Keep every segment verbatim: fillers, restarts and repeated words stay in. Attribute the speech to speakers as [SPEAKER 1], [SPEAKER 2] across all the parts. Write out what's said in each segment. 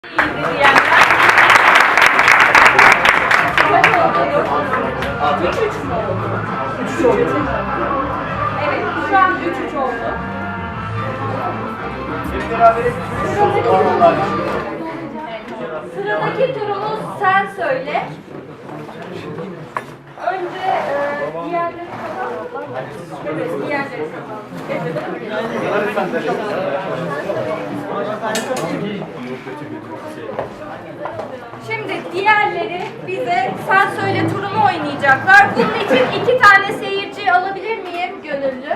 [SPEAKER 1] İyiydi diyenler. Kaç oldu? Üç üç mü oldu? Üç üç oldu. Evet, şu an üç üç oldu. Sıradaki turumuz sen söyle. Önce e, diğerleri kazandı. Evet, diğerleri kazandı. Şimdi diğerleri bize sen söyle turunu oynayacaklar. Bunun için iki tane seyirci alabilir miyim gönüllü?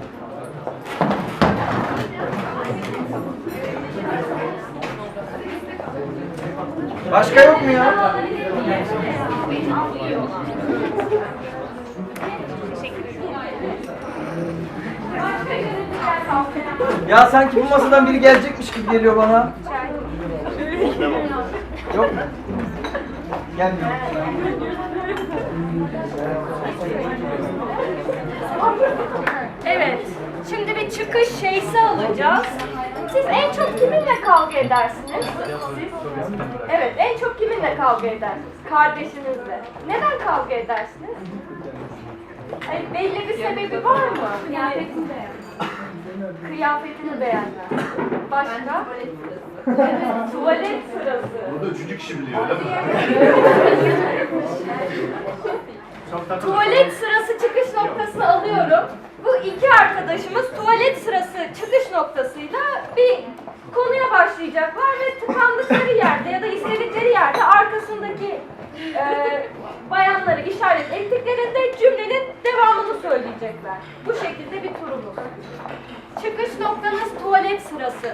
[SPEAKER 2] Başka yok mu ya? Ya sanki bu masadan biri gelecekmiş gibi geliyor bana. Yok mu? Gelmiyor.
[SPEAKER 1] Evet. Şimdi bir çıkış şeysi alacağız. Siz en çok kiminle kavga edersiniz? Siz? Evet, en çok kiminle kavga edersiniz? Kardeşinizle. Neden kavga edersiniz? Hayır, belli bir sebebi var mı? Kıyafetini beğenmem. Kıyafetini beğenmem. Başka? Evet, tuvalet sırası.
[SPEAKER 3] Burada üçüncü kişi biliyor öyle mi?
[SPEAKER 1] Tuvalet sırası çıkış noktasını alıyorum. Bu iki arkadaşımız tuvalet sırası çıkış noktasıyla bir konuya başlayacaklar ve tıkandıkları yerde ya da istedikleri yerde arkasındaki e, bayanları işaret ettiklerinde cümlenin devamını söyleyecekler. Bu şekilde bir turumuz. Çıkış noktanız tuvalet sırası.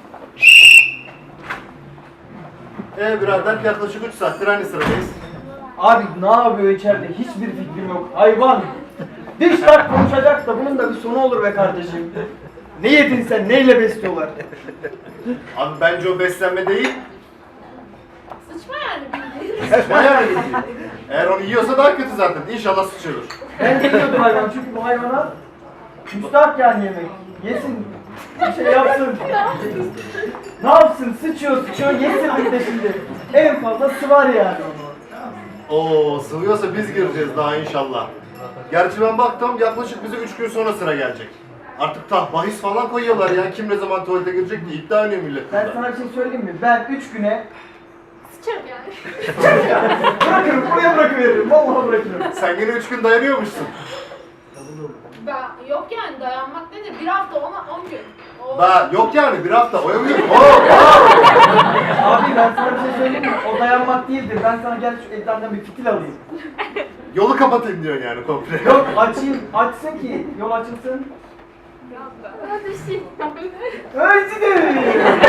[SPEAKER 3] Ee birader yaklaşık üç saattir aynı sıradayız.
[SPEAKER 2] Abi ne yapıyor içeride? Hiçbir fikrim yok. Hayvan. Diş tak konuşacak da bunun da bir sonu olur be kardeşim. Ne yedin sen? Neyle besliyorlar?
[SPEAKER 3] Abi bence o beslenme değil.
[SPEAKER 1] Sıçma yani.
[SPEAKER 3] Bayağı iyi. Eğer onu yiyorsa daha kötü zaten. İnşallah sıçıyordur.
[SPEAKER 2] Ben de yiyordum hayvan çünkü bu hayvana müstahak yani yemek. Yesin. Bir şey yapsın. Ne yapsın? Sıçıyor sıçıyor yesin bir de şimdi. En fazla sıvar yani onu.
[SPEAKER 3] Oo sıvıyorsa biz gireceğiz daha inşallah. Gerçi ben baktım yaklaşık bize üç gün sonra sıra gelecek. Artık tah bahis falan koyuyorlar ya. Kim ne zaman tuvalete girecek diye iddia oynuyor millet
[SPEAKER 2] Ben
[SPEAKER 3] burada.
[SPEAKER 2] sana bir şey söyleyeyim mi? Ben üç güne
[SPEAKER 1] Sıçarım yani.
[SPEAKER 2] bırakırım, buraya bırakıveririm. Vallahi bırakırım.
[SPEAKER 3] Sen yine üç gün dayanıyormuşsun.
[SPEAKER 4] Ben, yok yani dayanmak nedir? Bir hafta ona on gün. O...
[SPEAKER 3] Ba yok yani bir hafta oyamıyor. Oo, oo.
[SPEAKER 2] Abi ben sana bir şey söyleyeyim mi? O dayanmak değildir. Ben sana gel şu ekrandan bir fitil alayım.
[SPEAKER 3] Yolu kapatayım diyorsun yani komple.
[SPEAKER 2] Yok açayım, açsın ki yol açılsın.
[SPEAKER 1] Hadi şey.
[SPEAKER 2] Öyle de.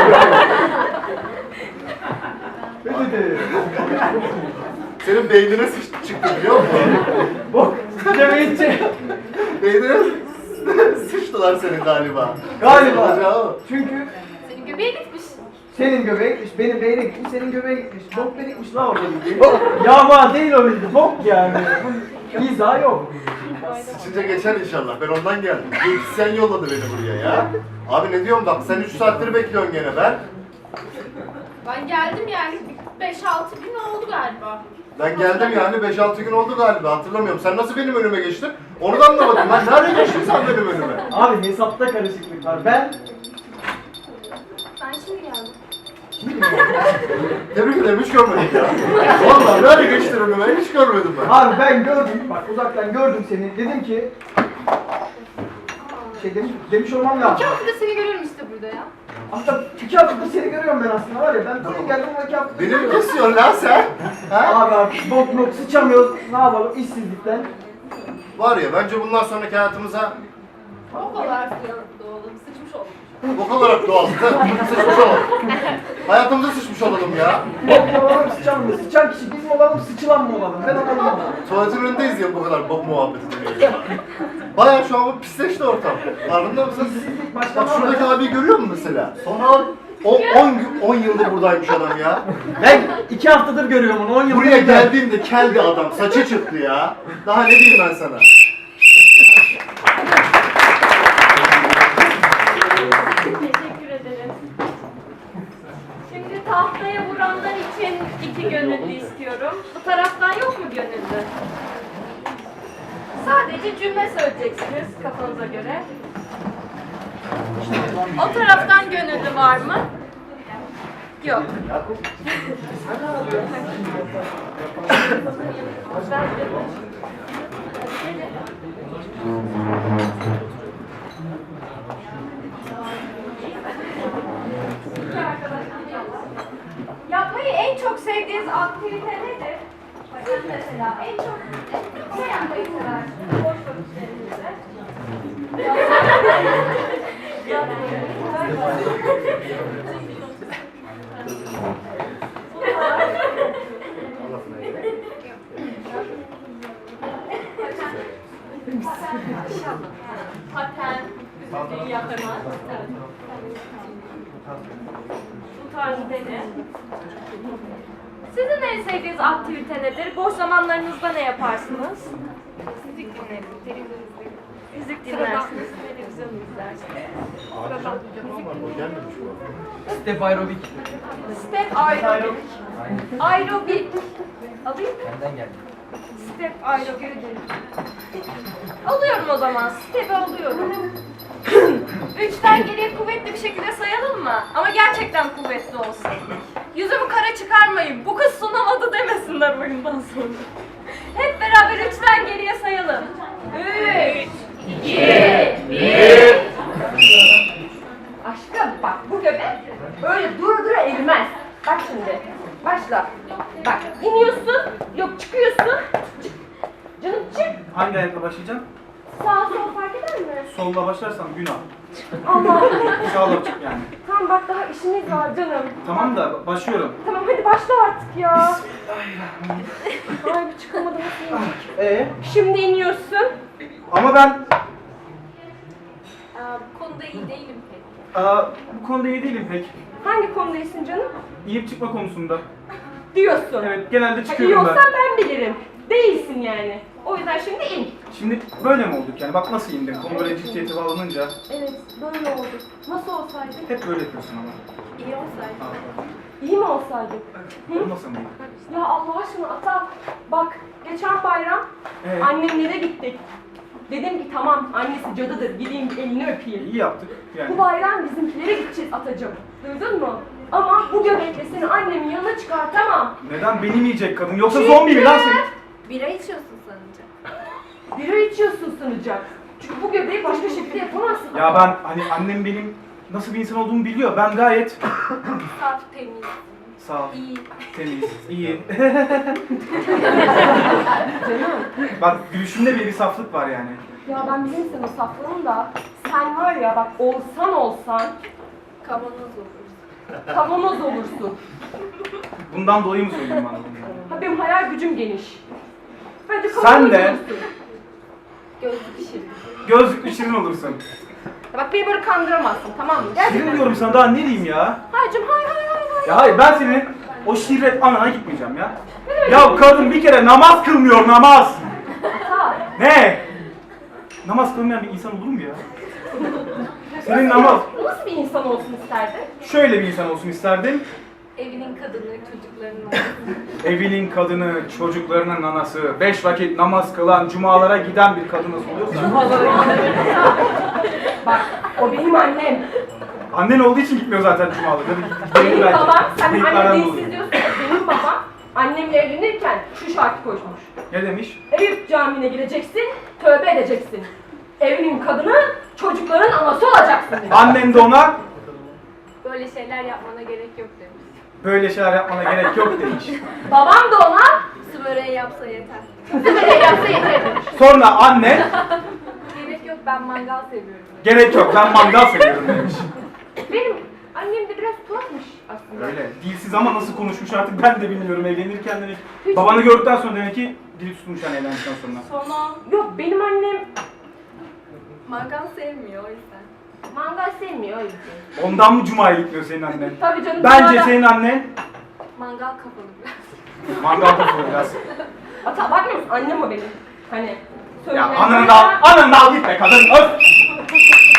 [SPEAKER 2] Öyle de.
[SPEAKER 3] Senin beynine sıç çıktı biliyor musun?
[SPEAKER 2] Bok. Demeyince.
[SPEAKER 3] Beynine sıçtılar senin galiba.
[SPEAKER 2] Galiba.
[SPEAKER 3] Olacağı o.
[SPEAKER 2] Çünkü
[SPEAKER 1] Senin göbeğe gitmiş.
[SPEAKER 2] senin göbeğe gitmiş, benim beyne gitmiş, senin göbeğe gitmiş. Bok beni gitmiş la orada bildiğin. Yağma değil o bildiğin. Bok yani. Bu izah yok.
[SPEAKER 3] Sıçınca geçer inşallah. Ben ondan geldim. Sen yolladı beni buraya ya. Abi ne diyorum bak sen üç saattir bekliyorsun gene ben.
[SPEAKER 4] Ben geldim yani beş altı gün oldu galiba.
[SPEAKER 3] Ben geldim yani beş altı gün oldu galiba hatırlamıyorum. Sen nasıl benim önüme geçtin? Onu da anlamadım. Ben nerede geçtin sen benim önüme?
[SPEAKER 2] Abi hesapta karışıklık var. Ben
[SPEAKER 1] Ben şimdi geldim.
[SPEAKER 3] Tebrik ederim hiç görmedim ya. Vallahi nerede geçtin önüme hiç görmedim ben.
[SPEAKER 2] Abi ben gördüm, bak uzaktan gördüm seni. Dedim ki şey demiş, demiş olmam lazım.
[SPEAKER 4] İki haftada seni görüyorum işte burada ya.
[SPEAKER 2] Aslında iki haftadır seni görüyorum ben aslında var ya. Ben buraya geldim ama iki haftadır.
[SPEAKER 3] Beni mi kesiyorsun lan sen? Ha?
[SPEAKER 2] Abi artık bok bok sıçamıyoruz. Ne yapalım işsizlikten.
[SPEAKER 3] Var ya bence bundan sonraki hayatımıza
[SPEAKER 4] O kadar doğalım, sıçmış oldum.
[SPEAKER 3] bok olarak doğal. Sıçmış olalım. Hayatımıza sıçmış olalım ya.
[SPEAKER 2] Bok mu olalım sıçan mı? Sıçan kişi biz mi olalım sıçılan mı olalım? Ben anlamadım.
[SPEAKER 3] Tuvaletin önündeyiz ya bu kadar bok muhabbeti dinliyoruz. Bayağı şu an pisleşti ortam. Farkında mısın?
[SPEAKER 2] İşsizlik başka
[SPEAKER 3] Bak
[SPEAKER 2] ne
[SPEAKER 3] şuradaki
[SPEAKER 2] var?
[SPEAKER 3] abiyi görüyor musun mesela? Son on yıldır buradaymış adam ya.
[SPEAKER 2] Ben iki haftadır görüyorum onu. on yıldır.
[SPEAKER 3] Buraya geldiğinde keldi adam. Saçı çıktı ya. Daha ne diyeyim ben sana?
[SPEAKER 1] Teşekkür ederiz. Şimdi tahtaya Aynaya vuranlar için iki gönüllü istiyorum. Bu taraftan yok mu gönüllü? Sadece cümle söyleyeceksiniz kafanıza göre. O taraftan gönüllü var mı? Yok. Yapmayı en çok sevdiğiniz aktivite nedir? Siz mesela en çok ne yapmayı seversiniz boş vakitlerinizde? Paten, müziği yapamaz. Bu tarz dene. Sizin en sevdiğiniz aktivite nedir? Boş zamanlarınızda ne yaparsınız? Müzik dinlerim, televizyon izlerim. Müzik dinlersiniz, televizyon izlersiniz.
[SPEAKER 2] Step aerobik.
[SPEAKER 1] Step aerobik. Aerobik. Alayım mı?
[SPEAKER 2] Benden geldi.
[SPEAKER 1] Step aerobik. Alıyorum o zaman. Step'i alıyorum. Üçten geriye kuvvetli bir şekilde sayalım mı? Ama gerçekten kuvvetli olsun. Yüzümü kara çıkarmayın. Bu kız sunamadı demesinler oyundan sonra. Hep beraber üçten geriye sayalım. Üç, iki, bir. Aşkım bak bu göbek böyle dura dura erimez. Bak şimdi. Başla. Bak iniyorsun. Yok çıkıyorsun. Çık. Canım çık.
[SPEAKER 5] Hangi ayakla başlayacağım?
[SPEAKER 1] Sağ sol fark eder mi?
[SPEAKER 5] Solla başlarsam günah.
[SPEAKER 1] Allah.
[SPEAKER 5] Sağla çık yani.
[SPEAKER 1] Tamam bak daha işimiz var canım.
[SPEAKER 5] Tamam da başlıyorum.
[SPEAKER 1] Tamam hadi başla artık ya. Ay bu çıkamadı nasıl inecek?
[SPEAKER 5] Ee?
[SPEAKER 1] Şimdi iniyorsun.
[SPEAKER 5] Ama ben
[SPEAKER 4] Aa, bu konuda iyi değilim pek.
[SPEAKER 5] aa, bu konuda iyi değilim pek.
[SPEAKER 1] Hangi konudayısın canım?
[SPEAKER 5] İyip çıkma konusunda.
[SPEAKER 1] Diyorsun.
[SPEAKER 5] Evet, genelde
[SPEAKER 1] Ha, iyi
[SPEAKER 5] çıkıyorum ben.
[SPEAKER 1] olsan ben bilirim. Değilsin yani. O yüzden şimdi in.
[SPEAKER 5] Şimdi böyle mi olduk yani? Bak nasıl indim. Konu böyle ciddiyete bağlanınca
[SPEAKER 1] Evet böyle oldu. Nasıl olsaydı?
[SPEAKER 5] hep böyle yapıyorsun ama.
[SPEAKER 4] İyi olsaydı.
[SPEAKER 5] Aa,
[SPEAKER 1] İyi mi olsaydık? Hı?
[SPEAKER 5] olmasın mı?
[SPEAKER 1] Ya Allah aşkına ata bak geçen bayram
[SPEAKER 5] Evet.
[SPEAKER 1] annemlere gittik. Dedim ki tamam annesi cadıdır gideyim elini öpeyim.
[SPEAKER 5] İyi yaptık
[SPEAKER 1] Bu
[SPEAKER 5] yani.
[SPEAKER 1] bayram bizimkilere gideceğiz atacığım. Duydun mu? Ama bu göbekle seni annemin yanına çıkartamam.
[SPEAKER 5] Neden benim yiyecek kadın? Yoksa zombi mi lan sen?
[SPEAKER 4] Bira içiyorsun sanınca.
[SPEAKER 1] Bira içiyorsun sanacak. Çünkü bu göbeği başka şekilde yapamazsın.
[SPEAKER 5] Ya ben hani annem benim nasıl bir insan olduğumu biliyor. Ben gayet
[SPEAKER 4] Saf, temiz,
[SPEAKER 5] sağ ol,
[SPEAKER 4] iyi.
[SPEAKER 5] temiz, iyi. Bak gülüşümde bir, bir saflık var yani.
[SPEAKER 1] Ya ben bilirim senin saflığını da. Sen var ya bak olsan olsan
[SPEAKER 4] Kavanoz olur.
[SPEAKER 1] kavanoz olursun.
[SPEAKER 5] Bundan dolayı mı söylüyorsun bana bunu?
[SPEAKER 1] Ha benim hayal gücüm geniş. Bence
[SPEAKER 5] Sen
[SPEAKER 1] kavanoz
[SPEAKER 5] de-
[SPEAKER 1] olursun.
[SPEAKER 4] Gözlük işi.
[SPEAKER 5] Gözlüklü şirin olursun.
[SPEAKER 1] Ya bak beni böyle kandıramazsın tamam mı?
[SPEAKER 5] Şirin diyorum sana daha ne diyeyim ya?
[SPEAKER 1] Hayırcım hay hay hay hay.
[SPEAKER 5] Ya hayır ben senin o şirret anana gitmeyeceğim ya. Ya kadın bir kere namaz kılmıyor namaz.
[SPEAKER 1] Ha.
[SPEAKER 5] Ne? Namaz kılmayan bir insan olur mu ya? Senin namaz
[SPEAKER 1] Nasıl bir insan olsun isterdin?
[SPEAKER 5] şöyle bir insan olsun isterdim.
[SPEAKER 4] Evinin kadını, çocuklarının olması.
[SPEAKER 5] Evinin kadını, çocuklarının anası, beş vakit namaz kılan, cumalara giden bir kadın nasıl oluyorsa.
[SPEAKER 1] Bak o benim annem.
[SPEAKER 5] Annen olduğu için gitmiyor zaten cumalara.
[SPEAKER 1] Benim babam, sen
[SPEAKER 5] Kayıplardan
[SPEAKER 1] anne
[SPEAKER 5] dolayı.
[SPEAKER 1] değilsin diyorsun. Benim babam annemle evlenirken şu şartı koşmuş.
[SPEAKER 5] Ne demiş?
[SPEAKER 1] Eyüp Camii'ne gireceksin, tövbe edeceksin. Evinin kadını, çocukların anası olacaksın demiş.
[SPEAKER 5] Annen de ona
[SPEAKER 4] Böyle şeyler yapmana gerek yok demiş.
[SPEAKER 5] böyle şeyler yapmana gerek yok demiş.
[SPEAKER 1] Babam da ona
[SPEAKER 4] Su böreği yapsa yeter.
[SPEAKER 1] böyle yapsa yeter demiş.
[SPEAKER 5] Sonra anne
[SPEAKER 4] Gerek yok, ben mangal seviyorum.
[SPEAKER 5] gerek yok ben mangal seviyorum demiş.
[SPEAKER 1] Benim annem de biraz tuhafmış aslında.
[SPEAKER 5] Öyle. Dilsiz ama nasıl konuşmuş artık ben de bilmiyorum. Evlenirken demek. Babanı gördükten sonra demek ki dili tutmuş yani evlendikten sonra.
[SPEAKER 1] Sonra yok benim annem
[SPEAKER 4] Mangal sevmiyor o yüzden.
[SPEAKER 1] mangal sevmiyor o yüzden.
[SPEAKER 5] Ondan mı cumaya gitmiyor senin annen?
[SPEAKER 1] Tabii canım.
[SPEAKER 5] Bence
[SPEAKER 1] cumada-
[SPEAKER 5] senin annen
[SPEAKER 4] Mangal kafalı biraz.
[SPEAKER 5] mangal kafalı biraz.
[SPEAKER 1] Ata bakmıyor musun? Annem o benim. Hani
[SPEAKER 5] Ya
[SPEAKER 1] söyleyen-
[SPEAKER 5] ananı da al, ananı da al git be kadın öf!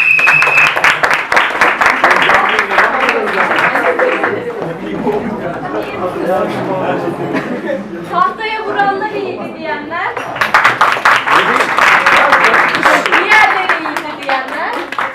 [SPEAKER 5] Ne bileyim oğlum ya.
[SPEAKER 1] alayım. Tahtaya vuranlar iyiydi diyenler. Diğerleri iyiydi diyenler.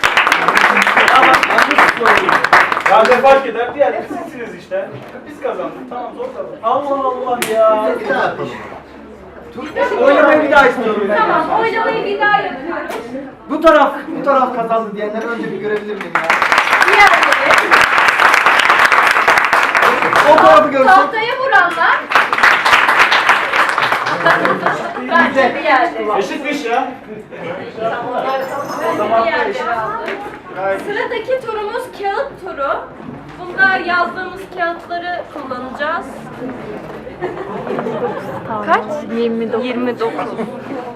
[SPEAKER 5] Ya ne fark eder? Diğer sizsiniz işte. Biz kazandık. Tamam zor tabii.
[SPEAKER 2] Allah Allah ya.
[SPEAKER 3] Bir daha yapalım.
[SPEAKER 2] Oynamayı bir daha istiyorum ben.
[SPEAKER 1] Tamam, oylamayı bir daha yapıyoruz.
[SPEAKER 2] Bu taraf, bu taraf kazandı diyenleri önce bir görebilir miyim ya?
[SPEAKER 1] Diğerleri.
[SPEAKER 2] O tarafı görsün.
[SPEAKER 1] Tahtaya vuranlar. Bence diğerleri.
[SPEAKER 5] Eşitmiş ya.
[SPEAKER 1] Bence diğerleri aldı. Sıradaki turumuz kağıt turu. Bunda yazdığımız kağıtları kullanacağız. Kaç? yirmi dokuz. yirmi dokuz.